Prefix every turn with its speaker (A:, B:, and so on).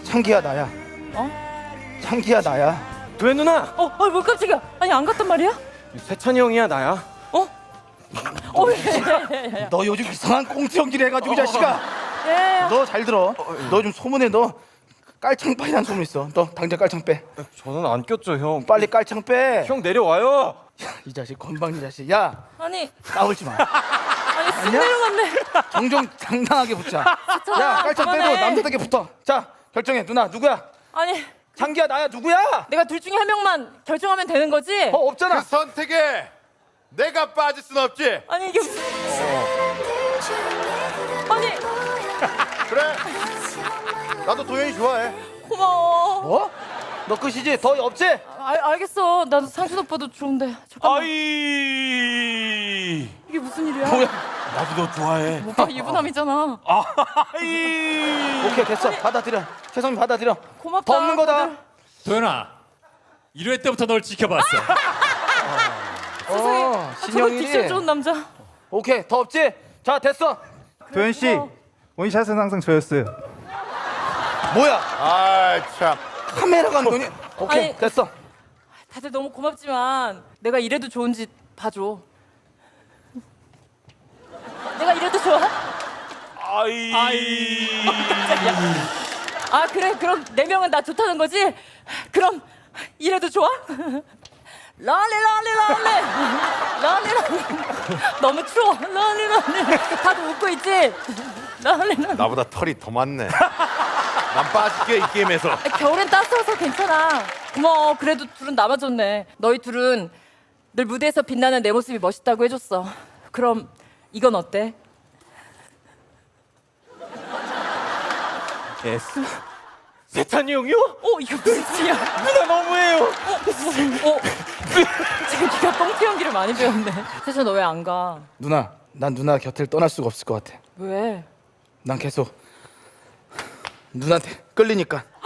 A: 창기야 나야.
B: 어?
A: 창기야 나야.
C: 왜 누나?
B: 뭘 깜짝이야. 아니 안 갔단 말이야?
C: 세찬이 형이야 나야?
B: 왜?
A: 너 요즘 이상한 꽁트 연기를 해가지고 이 자식아.
B: 예.
A: 너 잘 들어. 너 좀 소문에 너 깔창빠이라는 소문 있어. 너 당장 깔창 빼.
C: 저는 안 꼈죠 형.
A: 빨리 깔창 빼.
C: 형 내려와요.
A: 이 자식 건방진 자식. 야
B: 아니
A: 까불지 마.
B: 쑥 내려갔네.
A: 정정 당당하게 붙자. 야 깔창 빼고
B: 그만해.
A: 남자답게 붙어. 자 결정해. 누나 누구야?
B: 아니
A: 창기야 나야 누구야?
B: 내가 둘 중에 한 명만 결정하면 되는 거지?
A: 없잖아.
D: 그 선택에 내가 빠질 순 없지.
B: 아니 이게 무슨? 아니
D: 그래. 나도 도현이 좋아해.
B: 고마워.
A: 뭐? 너 끝이지? 더 없지?
B: 알겠어. 나도 상준 오빠도 좋은데. 잠깐만.
D: 아이.
B: 이게 무슨 일이야?
A: 뭐야?
D: 나도 너 좋아해.
B: 오빠 유부남이잖아.
D: 아이.
A: 오케이 됐어. 받아들여. 최성민 받아들여.
B: 고맙다.
A: 더 없는 거다.
B: 다들.
E: 도현아 1회 때부터 널 지켜봤어.
B: 세상에. 저런 딕션
A: 신영일이.
B: 좋은 남자.
A: 오케이 더 없지? 자 됐어.
F: 도현 씨,
B: 고마워.
F: 원샷은 항상 저였어요.
A: 뭐야?
D: 아 참.
A: 카메라 감독이. 오케이
B: 아니,
A: 됐어.
B: 다들 너무 고맙지만 내가 이래도 좋은지 봐줘. 내가 이래도 좋아?
D: 아이.
B: 아 그래 그럼 네 명은 나 좋다는 거지? 그럼 이래도 좋아? 랄리 너무 추워. 랄리 다들 웃고 있지? 랄리
D: 나보다 털이 더 많네. 난 빠질게 이 게임에서.
B: 겨울엔 따스워서 괜찮아. 고마워. 그래도 둘은 남아줬네. 너희 둘은 늘 무대에서 빛나는 내 모습이 멋있다고 해줬어. 그럼 이건 어때?
C: S? 세찬이 형이요?
B: 이거 무슨 짓이야?
C: 누나 너무해요.
B: 지금 네가 꽁트 연기를 많이 배웠네. 세찬 너 왜 안 가?
A: 누나 난 누나 곁을 떠날 수가 없을 것 같아.
B: 왜?
A: 난 계속 누나한테 끌리니까.